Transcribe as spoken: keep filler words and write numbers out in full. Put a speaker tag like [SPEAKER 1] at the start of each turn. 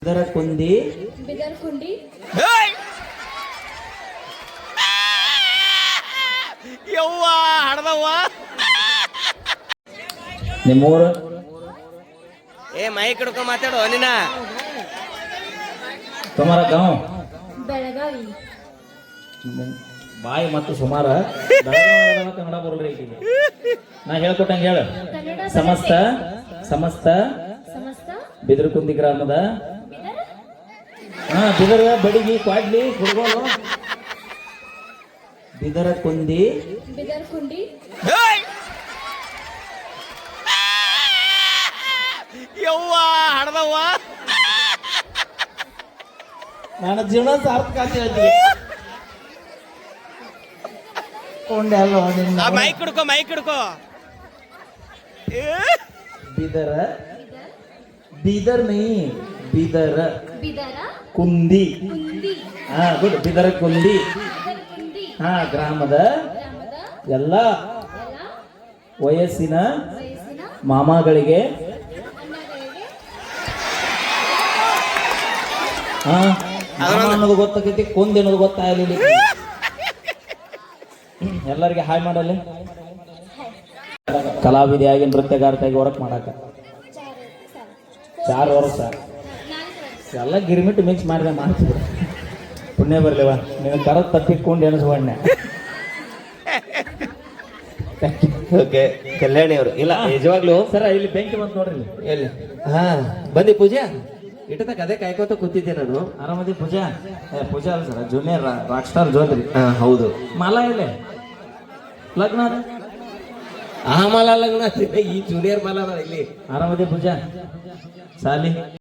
[SPEAKER 1] ಬಿದರ ಕುಂದಿ
[SPEAKER 2] ಬಿದರ್ ಕುಂಡಿ
[SPEAKER 3] ಯವ್ವ ಹಡ್ದವ್ವ
[SPEAKER 1] ನಿಮ್ಮೂರು
[SPEAKER 3] ಏ ಮೈಕ್ ಹಿಡ್ಕೊ ಮಾತಾಡು ನಿನ್ನ
[SPEAKER 1] ತುಮಾರ ಗಾಂವ್
[SPEAKER 2] ಬೆಳಗಾವಿ
[SPEAKER 1] ಬಾಯಿ ಮತ್ತು ಸುಮಾರ ಬೆಳಗಾವಿ ಕನ್ನಡ ಬರಲ್ರಿ ಈಗಿಗೆ ನಾ ಹೇಳ್ಕೊಟ್ಟಂಗೆ ಹೇಳು
[SPEAKER 2] ಕನ್ನಡ
[SPEAKER 1] ಸಮಸ್ತ ಸಮಸ್ತ
[SPEAKER 2] ಸಮಸ್ತ
[SPEAKER 1] ಬಿದರಕುಂದಿ ಗ್ರಾಮದ
[SPEAKER 2] ಬಿದರ್
[SPEAKER 1] ಹಾ ಬಿದರ ಬಡಿಗಿ ಕ್ವಾಡ್ಲಿ ಕುಡ್ಗೋಲು ಬಿದರ ಕುಂದಿ
[SPEAKER 2] ಬಿದರ್ ಕುಂಡಿ
[SPEAKER 3] ಯವ್ವ ಹಡ್ದವ್ವ
[SPEAKER 1] ನನ್ನ ಜೀವನ ಸಾರ್ಥಕ ಅಂತ ಹೇಳ್ತೀನಿ ಕೊಂಡೆ ಅಲ್ಲ
[SPEAKER 3] ಆ ಮೈಕ್ ಹಿಡ್ಕೊ ಮೈಕ್ ಹಿಡ್ಕೊ
[SPEAKER 1] ಬಿದರ ಬೀದರ್ ನೈ ಬಿದರ
[SPEAKER 2] ಬಿದರ
[SPEAKER 1] ಕುಂದಿ
[SPEAKER 2] ಕುಂದಿ
[SPEAKER 1] ಹಾ ಗುಡ್ ಬಿದರ ಕುಂದಿ
[SPEAKER 2] ಬಿದರ್ ಕುಂದಿ
[SPEAKER 1] ಹಾ ಗ್ರಾಮದ
[SPEAKER 2] ಗ್ರಾಮದ
[SPEAKER 1] ಎಲ್ಲ
[SPEAKER 2] ಎಲ್ಲ
[SPEAKER 1] ವಯಸ್ಸಿನ
[SPEAKER 2] ವಯಸ್ಸಿನ
[SPEAKER 1] ಮಾಮಾಗಳಿಗೆ
[SPEAKER 2] ಅಣ್ಣಗಳಿಗೆ
[SPEAKER 1] ಹಾ ಮಾಮ ಅನ್ನೋದು ಗೊತ್ತಾಗೈತಿ ಕುಂದಿ ಅನ್ನೋದು ಗೊತ್ತಾಗಲಿಲ್ಲ ಎಲ್ಲರಿಗೆ ಹಾಯ್ ಮಾಡಲ್ಲಿ ಕಲಾವಿದೆಯಾಗಿ ನೃತ್ಯಗಾರ್ತಿಯಾಗಿ ವರ್ಕ್ ಮಾಡಾಕ
[SPEAKER 2] ಚಾರ್ ಸರ್
[SPEAKER 1] ಚಾರ್ ವರ್ಷ
[SPEAKER 2] ನಾಲ್ಕು ವರ್ಷ
[SPEAKER 1] ಎಲ್ಲ ಗಿರ್ಮಿಟ್ ಮಿಕ್ಸ್ ಮಾಡಿದೆ ಮಾಡ್ತಿದ್ರು ಪುಣ್ಯ ಬರ್ಲಿವ ನೀನು ಕರದ ತಪ್ಪಿಕೊಂಡು ಎನಿಸ್ಕೊಂಡೆ
[SPEAKER 4] ಓಕೆ ಕಲ್ಯಾಣಿ ಅವರು ಇಲ್ಲ ನಿಜವಾಗ್ಲು
[SPEAKER 1] ಸರ ಇಲ್ಲಿ ಬೆಂಕಿ ಬಂತು ನೋಡ್ರಿ ಇಲ್ಲಿ.
[SPEAKER 4] ಎಲ್ಲಿ ಹಾ ಬಂದಿ ಪೂಜಾ ಇಟ್ಟದ ಕದೆ ಕಾಯ್ಕೋತ ಕೂತಿದ್ದೆ ನಾನು
[SPEAKER 1] ಆರಾಮದಿ ಪೂಜಾ ಏ ಪೂಜಾ ಅಲ್ಲ ಸರ್ ಜೂನಿಯರ್ ರಾಕ್ ಸ್ಟಾರ್ ಜೋದ್ರಿ
[SPEAKER 4] ಹಾ ಹೌದು
[SPEAKER 1] ಮಾಲ ಇಲ್ಲೇ ಲಗ್ನ ಅದ.
[SPEAKER 4] ಆ ಮಾಲ ಲಗ್ನ ಈ ಜೂನಿಯರ್ ಮಾಲ ಇಲ್ಲಿ
[SPEAKER 1] ಆರಾಮದಿ ಪೂಜಾ ಸಾಲಿ